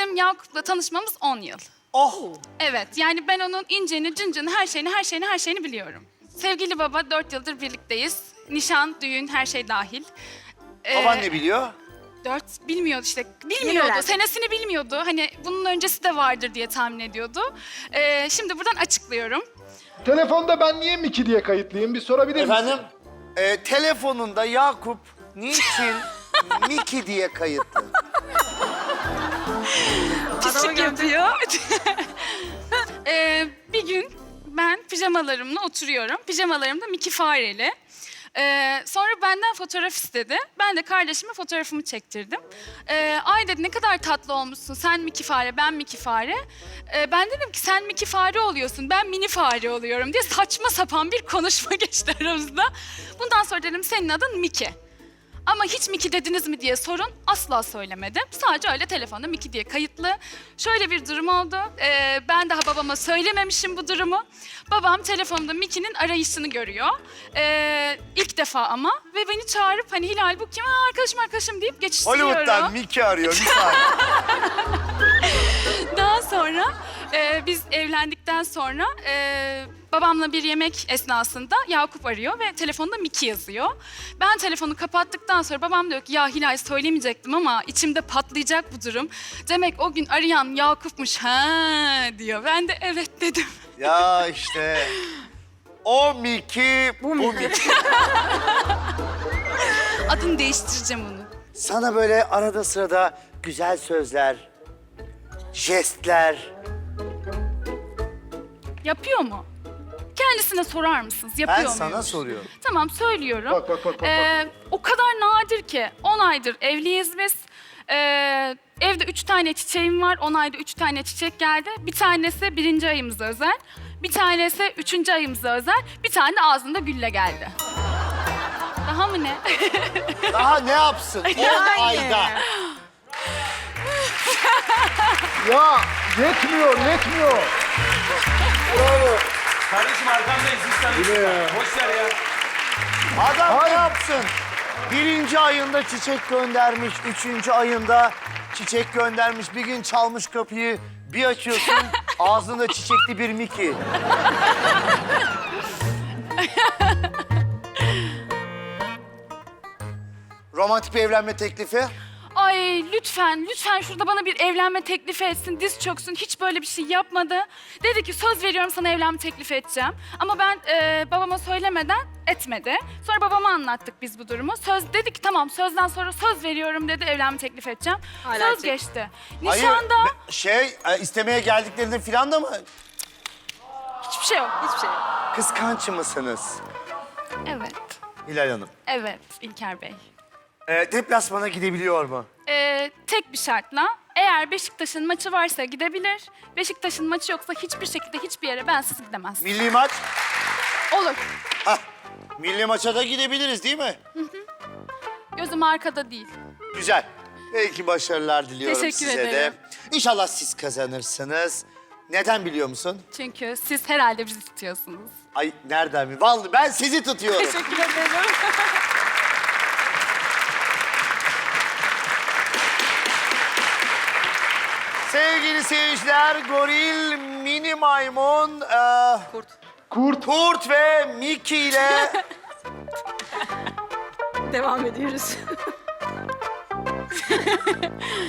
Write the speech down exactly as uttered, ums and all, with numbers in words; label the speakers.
Speaker 1: Bizim Yakup'la tanışmamız on yıl.
Speaker 2: Oh!
Speaker 1: Evet, yani ben onun inceni, cıncını, her şeyini, her şeyini, her şeyini biliyorum. Sevgili baba, dört yıldır birlikteyiz. Nişan, düğün, her şey dahil. Ee,
Speaker 2: Baban ne biliyor?
Speaker 1: Dört, bilmiyordu işte.
Speaker 3: Yeni
Speaker 1: Bilmiyordu,
Speaker 3: öğrendi.
Speaker 1: senesini bilmiyordu. Hani bunun öncesi de vardır diye tahmin ediyordu. Ee, şimdi buradan açıklıyorum.
Speaker 4: Telefonda ben niye Miki diye kayıtlıyım? Bir sorabilir misin?
Speaker 2: Efendim? Ee, telefonunda Yakup niçin Miki diye kayıtlı?
Speaker 1: Pislik yapıyor. ee, bir gün ben pijamalarımla oturuyorum. Pijamalarım da Mickey Fareli. Ee, sonra benden fotoğraf istedi. Ben de kardeşime fotoğrafımı çektirdim. Ee, Ay dedi, ne kadar tatlı olmuşsun. Sen Mickey Fare, ben Mickey Fare. Ee, ben dedim ki sen Mickey Fare oluyorsun, ben mini fare oluyorum diye saçma sapan bir konuşma geçti aramızda. Bundan sonra dedim senin adın Mickey. Ama hiç Miki dediniz mi diye sorun, asla söylemedim. Sadece öyle telefonda Miki diye kayıtlı. Şöyle bir durum oldu. Ee, ben daha babama söylememişim bu durumu. Babam telefonda Miki'nin arayışını görüyor. Ee, ilk defa ama. Ve beni çağırıp hani Hilal bu kim? Aa, arkadaşım arkadaşım deyip geçiştiriyorum.
Speaker 2: Hollywood'dan Miki arıyor bir saniye.
Speaker 1: Daha sonra e, biz evlendikten sonra e, babamla bir yemek esnasında Yakup arıyor ve telefonda Miki yazıyor. Ben telefonu kapattıktan sonra babam diyor ki ya Hilal söylemeyecektim ama içimde patlayacak bu durum. Demek o gün arayan Yakup'muş ha diyor. Ben de evet dedim.
Speaker 2: Ya işte o Miki, bu Miki.
Speaker 1: Adını değiştireceğim onu.
Speaker 2: Sana böyle arada sırada güzel sözler, jestler.
Speaker 1: Yapıyor mu? Kendisine sorar mısınız? Yapıyor
Speaker 2: Ben
Speaker 1: muymuş?
Speaker 2: sana soruyorum.
Speaker 1: Tamam söylüyorum.
Speaker 4: Bak, bak, bak, bak, bak.
Speaker 1: Ee, o kadar nadir ki on aydır evliyiz biz. Ee, evde üç tane çiçeğim var. On ayda üç tane çiçek geldi. Bir tanesi birinci ayımıza özel. Bir tanesi üçüncü ayımıza özel. Bir tane de ağzında gülle geldi. Daha mı ne?
Speaker 2: Daha ne yapsın on ayda?
Speaker 4: Ya yetmiyor, yetmiyor.
Speaker 2: Bravo.
Speaker 5: Kardeşim arkamdayız hiç tanıştık. Boş ver ya.
Speaker 2: Adam ne
Speaker 4: Hayır.
Speaker 2: yapsın? Birinci ayında çiçek göndermiş, üçüncü ayında çiçek göndermiş. Bir gün çalmış kapıyı, bir açıyorsun ağzında çiçekli bir Miki. Romantik bir evlenme teklifi.
Speaker 1: Ay lütfen, lütfen şurada bana bir evlenme teklifi etsin, diz çöksün. Hiç böyle bir şey yapmadı. Dedi ki söz veriyorum sana evlenme teklifi edeceğim. Ama ben e, babama söylemeden etmedi. Sonra babama anlattık biz bu durumu. Söz dedi ki tamam sözden sonra söz veriyorum dedi evlenme teklifi edeceğim.
Speaker 3: Hala
Speaker 1: söz
Speaker 3: çek-
Speaker 1: geçti.
Speaker 2: Hayır,
Speaker 1: Nişanda
Speaker 2: be- şey e, istemeye geldiklerinde filan da mı?
Speaker 1: hiçbir şey yok.
Speaker 3: Hiçbir şey.
Speaker 2: Kıskanç mısınız
Speaker 1: Evet,
Speaker 2: Hilal Hanım?
Speaker 1: evet İlker Bey.
Speaker 2: E, deplasmana gidebiliyor mu?
Speaker 1: E, tek bir şartla eğer Beşiktaş'ın maçı varsa gidebilir. Beşiktaş'ın maçı yoksa hiçbir şekilde hiçbir yere bensiz gidemez.
Speaker 2: Milli maç?
Speaker 1: Olur.
Speaker 2: Hah, milli maça da gidebiliriz değil mi?
Speaker 1: Gözüm arkada değil.
Speaker 2: Güzel. Belki başarılar diliyorum
Speaker 1: Teşekkür
Speaker 2: size
Speaker 1: ederim.
Speaker 2: de. İnşallah siz kazanırsınız. Neden biliyor musun?
Speaker 1: Çünkü siz herhalde bizi tutuyorsunuz.
Speaker 2: Ay nereden mi? Vallahi ben sizi tutuyorum.
Speaker 1: Teşekkür ederim.
Speaker 2: Sevgili seyirciler, goril, mini maymun, e,
Speaker 3: Kurt.
Speaker 4: Kurt.
Speaker 2: kurt ve Mickey ile
Speaker 3: Devam ediyoruz.